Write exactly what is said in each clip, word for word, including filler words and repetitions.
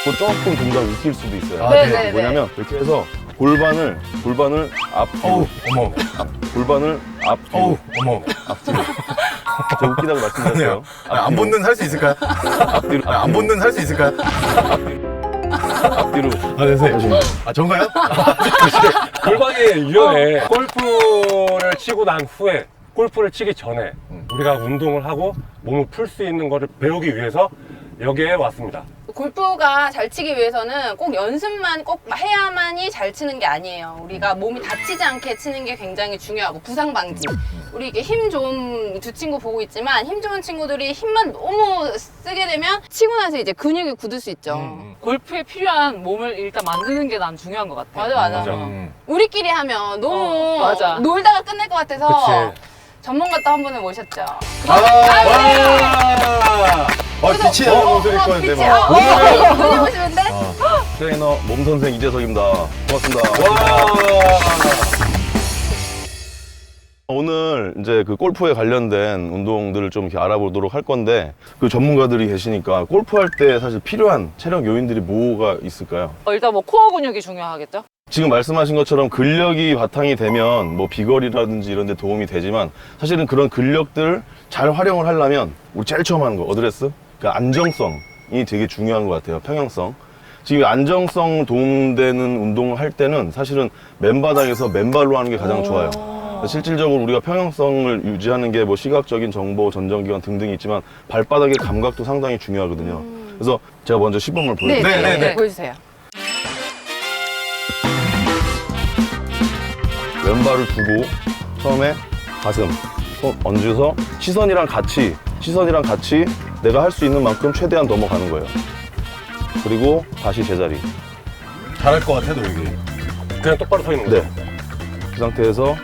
뭐 조금 동작 웃길 수도 있어요. 아, 네, 네. 네, 네. 뭐냐면 이렇게 해서 골반을 골반을 앞뒤로 어우, 어머. 앞, 골반을 앞뒤로 어우, 어머. 앞뒤로 제가 웃기다고 말씀드렸어요. 아, 안 붙는 할 수 있을까요? 앞뒤로 아, 안 붙는 할 수 있을까요? 앞뒤로 아, 네, 선생님. 아, 전가요? 골반이 유연해. 골프를 치고 난 후에, 골프를 치기 전에 우리가 운동을 하고 몸을 풀 수 있는 거를 배우기 위해서 여기에 왔습니다. 골프가 잘 치기 위해서는 꼭 연습만 꼭 해야만이 잘 치는 게 아니에요. 우리가 몸이 다치지 않게 치는 게 굉장히 중요하고 부상 방지. 우리 이게 힘 좋은 두 친구 보고 있지만 힘 좋은 친구들이 힘만 너무 쓰게 되면 치고 나서 이제 근육이 굳을 수 있죠. 음, 골프에 필요한 몸을 일단 만드는 게 난 중요한 것 같아. 맞아 맞아. 맞아. 음. 우리끼리 하면 너무 어, 맞아. 놀다가 끝날 것 같아서 그치. 전문가 또 한 분을 모셨죠. 아, 와! 어, 빛이 나는 옷을 입고 빛이 있는데, 어, 뭐. 어, 눈이 보시는데? 트레이너 몸 선생 이재석입니다. 고맙습니다. 오늘 이제 그 골프에 관련된 운동들을 좀 이렇게 알아보도록 할 건데 그 전문가들이 계시니까 골프할 때 사실 필요한 체력 요인들이 뭐가 있을까요? 어, 일단 뭐 코어 근육이 중요하겠죠? 지금 말씀하신 것처럼 근력이 바탕이 되면 뭐 비거리라든지 이런 데 도움이 되지만 사실은 그런 근력들을 잘 활용을 하려면 우리 제일 처음 하는 거 어드레스? 그 안정성이 되게 중요한 것 같아요. 평형성. 지금 안정성 도움되는 운동을 할 때는 사실은 맨바닥에서 맨발로 하는 게 가장 좋아요. 실질적으로 우리가 평형성을 유지하는 게 뭐 시각적인 정보, 전정기관 등등이 있지만 발바닥의 감각도 상당히 중요하거든요. 그래서 제가 먼저 시범을 네, 보여드릴게요. 네, 네, 네, 네. 보여주세요. 왼발을 두고 처음에 가슴 손 얹어서 시선이랑 같이 시선이랑 같이 내가 할 수 있는 만큼 최대한 넘어가는 거예요. 그리고 다시 제자리. 잘할 것 같아, 노력이. 그냥 똑바로 서 있는 거죠. 네. 그 상태에서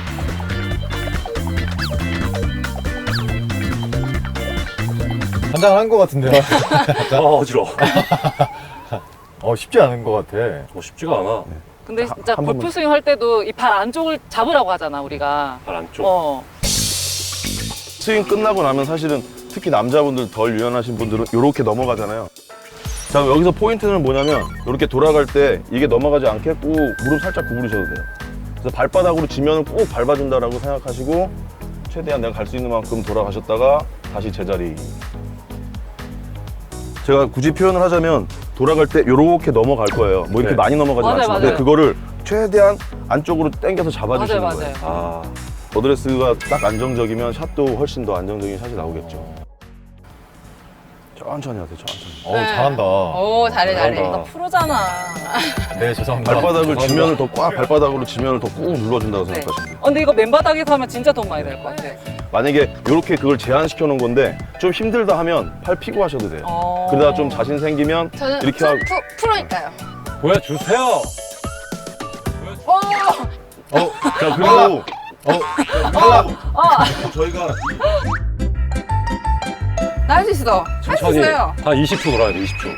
한장한 것 같은데요? 아, 어지러워. 어, 쉽지 않은 것 같아. 뭐 쉽지가 않아. 근데 한- 진짜 한 골프 번만. 스윙 할 때도 이 발 안쪽을 잡으라고 하잖아, 우리가. 발 안쪽. 어. 스윙 끝나고 나면 사실은 특히 남자분들 덜 유연하신 분들은 이렇게 넘어가잖아요. 자, 여기서 포인트는 뭐냐면 이렇게 돌아갈 때 이게 넘어가지 않게 꼭 무릎 살짝 구부리셔도 돼요. 그래서 발바닥으로 지면을 꼭 밟아준다라고 생각하시고 최대한 내가 갈 수 있는 만큼 돌아가셨다가 다시 제자리. 제가 굳이 표현을 하자면 돌아갈 때 이렇게 넘어갈 거예요. 뭐 이렇게 네. 많이 넘어가지 맞아요, 않지만 맞아요. 근데 그거를 최대한 안쪽으로 당겨서 잡아주시는 맞아요, 거예요. 아, 어드레스가 딱 안정적이면 샷도 훨씬 더 안정적인 샷이 나오겠죠. 천천히 하세요, 천천히. 어우, 네. 잘한다. 오, 잘해, 잘해. 잘한다. 나 프로잖아. 네, 죄송합니다. 발바닥을 죄송합니다. 지면을 더 꽉, 발바닥으로 지면을 더 꾹 눌러준다고 네. 생각하시면 돼요. 어, 근데 이거 맨바닥에서 하면 진짜 돈 많이 될 것 같아. 만약에 이렇게 그걸 제한시켜 놓은 건데 좀 힘들다 하면 팔 피고 하셔도 돼요. 어. 그러다가 좀 자신 생기면 저는 이렇게 프로, 하고 프로, 프로니까요. 보여주세요. 오! 어, 자 그리고 어. 저희가 나 할 수 있어. 할 수 천천히. 있어요. 한 이십 초 돌아야 돼, 이십 초.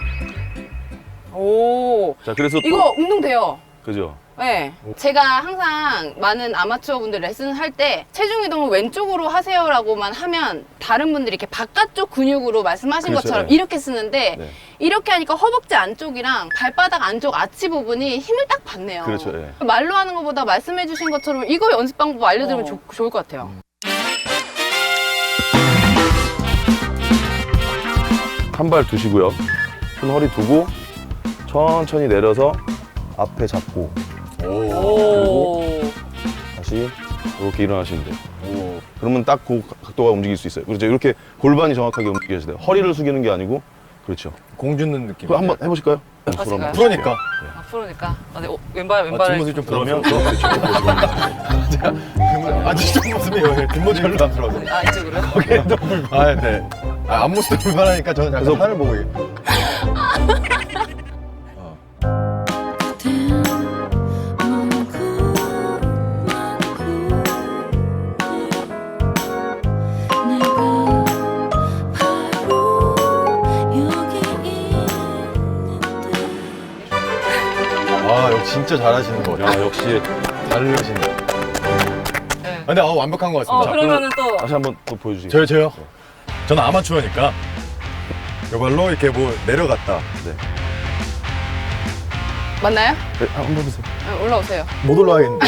오. 자 그래서 또 이거 운동 돼요. 그죠? 네. 제가 항상 많은 아마추어 분들 레슨을 할 때 체중 이동을 왼쪽으로 하세요라고만 하면 다른 분들이 이렇게 바깥쪽 근육으로 말씀하신 그렇죠, 것처럼 네. 이렇게 쓰는데 네. 이렇게 하니까 허벅지 안쪽이랑 발바닥 안쪽 아치 부분이 힘을 딱 받네요. 그렇죠, 예. 말로 하는 것보다 말씀해 주신 것처럼 이거 연습 방법 알려드리면 어. 좋, 좋을 것 같아요. 한 발 두시고요. 손 허리 두고 천천히 내려서 앞에 잡고 오. 오. 다시 이렇게 일어나시면 돼요. 오. 그러면 딱 그 각도가 움직일 수 있어요. 그렇죠. 이렇게 골반이 정확하게 움직여야 돼요. 허리를 숙이는 게 아니고 그렇죠. 공 주는 느낌. 그거 한번 해보실까요? 아, 제가요? 프로니까. 아, 프로니까. 아, 네, 어, 왼발, 아, 왼발을. 뒷모습 좀 그러면 부러우면. 아, 뒷모습이 뒷모습 별로 안 들어서. 아, 이쪽으로요? 아, 네. 아, 앞모습도 불편하니까 저는 약간 그래서- 하늘 보고. 있- 아, 여기 진짜 잘하시는 거 같아요. 야 역시 다르신다. 네. 아, 근데 어, 완벽한 것 어, 같습니다. 그러면은 또. 다시 한번 또 보여주세요. 저요, 저요? 저는 아마추어니까 이걸로 이렇게 뭐 내려갔다. 네. 맞나요? 네, 한번 보세요. 네, 올라오세요. 못 올라가겠는데.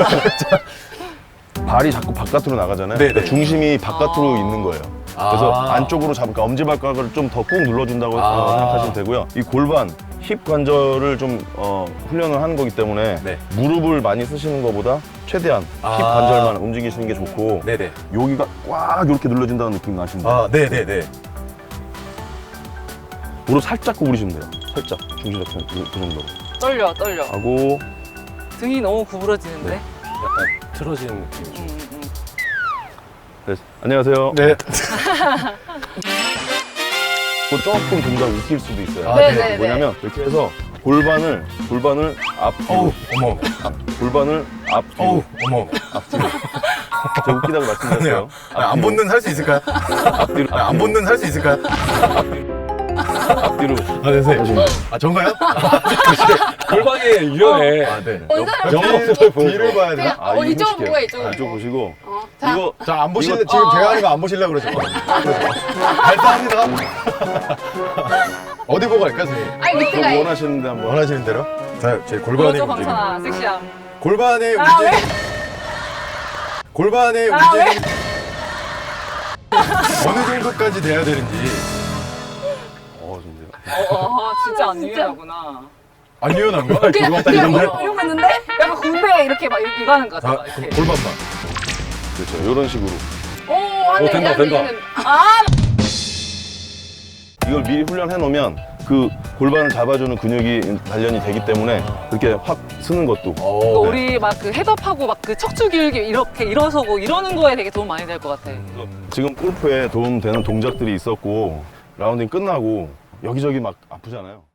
발이 자꾸 바깥으로 나가잖아요. 네네. 그러니까 중심이 바깥으로 아. 있는 거예요. 그래서 아. 안쪽으로 잡으니까 엄지발가락을 좀 더 꾹 눌러준다고 아. 어, 생각하시면 되고요. 이 골반, 힙 관절을 좀 어, 훈련을 하는 거기 때문에 네. 무릎을 많이 쓰시는 것보다 최대한 아. 힙 관절만 움직이시는 게 좋고 네네. 여기가 꽉 이렇게 눌러진다는 느낌 나시면 돼요. 아, 네네네. 무릎 살짝 구부리시면 돼요. 살짝 중심 자체는 그, 그 정도로 떨려, 떨려. 하고 등이 너무 구부러지는데? 약간 틀어지는 느낌이죠. 음, 음. 네, 안녕하세요. 네. 뭐 조금 동작 웃길 수도 있어요. 아, 네, 네, 뭐냐면 이렇게 해서 골반을 골반을 앞뒤로 어우, 어머. 앞, 골반을 앞뒤로 어우, 어머. 앞뒤로 제가 웃기다고 말씀드렸어요. 아, 안 붙는 할 수 있을까요? 앞뒤로 아, 안 붙는 할 수 있을까요? 앞뒤로 아, 네, 선생님. 아, 전가요? 골반이 유연해. 아, 네. 어, 이 사람 영업을 보는 뒤를 봐야 되나? 그냥 어, 이쪽으로 보고 이쪽으로 아, 이쪽 보고. 보시고 어, 자, 이거 자, 안 보실래? 이거- 지금 어. 제가 하는 거 안 보시려고 그러죠? 발사합니다. 어디 보고 할까, 선생님? 아니 밑에가 그거 이- 원하시는데 한번 원하시는 대로? 자, 제 골반의 보여줘, 움직임. 방천아. 섹시함. 골반의 아, 움직임. 왜? 골반의 아, 움직임. 어느 정도까지 돼야 되는지. 어, 좀 어, 어, 진짜 안 유연하구나. 안 유연한 거? 그냥 골반 그냥 이런데? 이러고 이러고 있는데 약간 군대 이렇게 막 이렇게 이거 하는 거 같아. 아, 막 그 이렇게. 골반만. 그렇죠. 이런 식으로 오 한대 오, 된다, 이한대 된다. 이는 아 이걸 미리 훈련해 놓으면 그 골반을 잡아주는 근육이 단련이 되기 때문에 이렇게 확 쓰는 것도 또 어, 우리 막 그 헤드업하고 막 그 척추 기울기 이렇게 일어서고 이러는 거에 되게 도움 많이 될 것 같아. 지금 골프에 도움되는 동작들이 있었고 라운딩 끝나고 여기저기 막 아프잖아요.